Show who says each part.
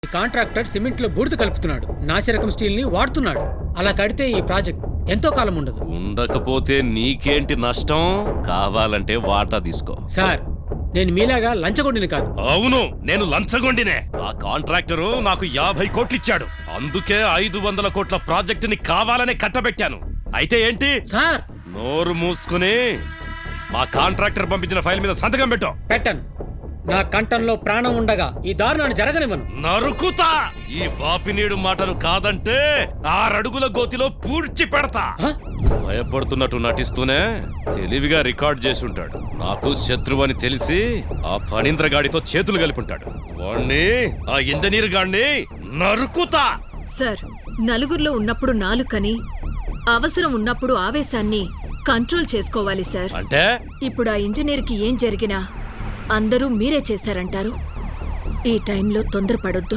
Speaker 1: Contractor cement లో బూడిద కలుపుతున్నాడు, నాసిరకం స్టీల్ ని వాడుతున్నాడు. అలా కడితే ఈ ప్రాజెక్ట్ ఎంతో కాలం ఉండదు.
Speaker 2: ఉండకపోతే నీకేంటి నష్టం? కావాలంటే వాటా తీసుకో.
Speaker 1: సార్, నేను మీలాగా లంచగొండిని కాదు.
Speaker 2: అవును, నేను లంచగొండినే. ఆ కాంట్రాక్టరు నాకు 50 కోట్లు ఇచ్చాడు. అందుకే 500 కోట్ల ప్రాజెక్టుని కావాలనే కట్టబెట్టాను. అయితే ఏంటి?
Speaker 1: సార్,
Speaker 2: నోరు మూసుకుని మా కాంట్రాక్టర్ పంపించిన ఫైల్ మీద సంతకం పెట్టు.
Speaker 1: పెట్టను. నా కంఠంలో ప్రాణం ఉండగా ఈ దారుణాన్ని జరగనివ్వను.
Speaker 2: నరుకుతా! ఈ బాపినీడు మాటను కాదంటే 6 అడుగుల గోతిలో పూడ్చి పెడతా. భయపడుతున్నట్టు నటిస్తూనే తెలివిగా రికార్డ్ చేసి ఉంటాడు. నాకు శత్రువు అని తెలిసి ఆ ఫణీంద్ర గాడితో చేతులు కలిపుంటాడు. వాణ్ణి, ఆ ఇంజనీర్ గాడిని నరుకుతా.
Speaker 3: సార్, నలుగురిలో ఉన్నప్పుడు నాలుకని, అవసరం ఉన్నప్పుడు ఆవేశాన్ని కంట్రోల్ చేసుకోవాలి సార్.
Speaker 2: అంటే
Speaker 3: ఇప్పుడు ఆ ఇంజనీర్కి ఏం జరిగినా అందరూ మీరే చేశారంటారు. ఈ టైంలో తొందరపడొద్దు.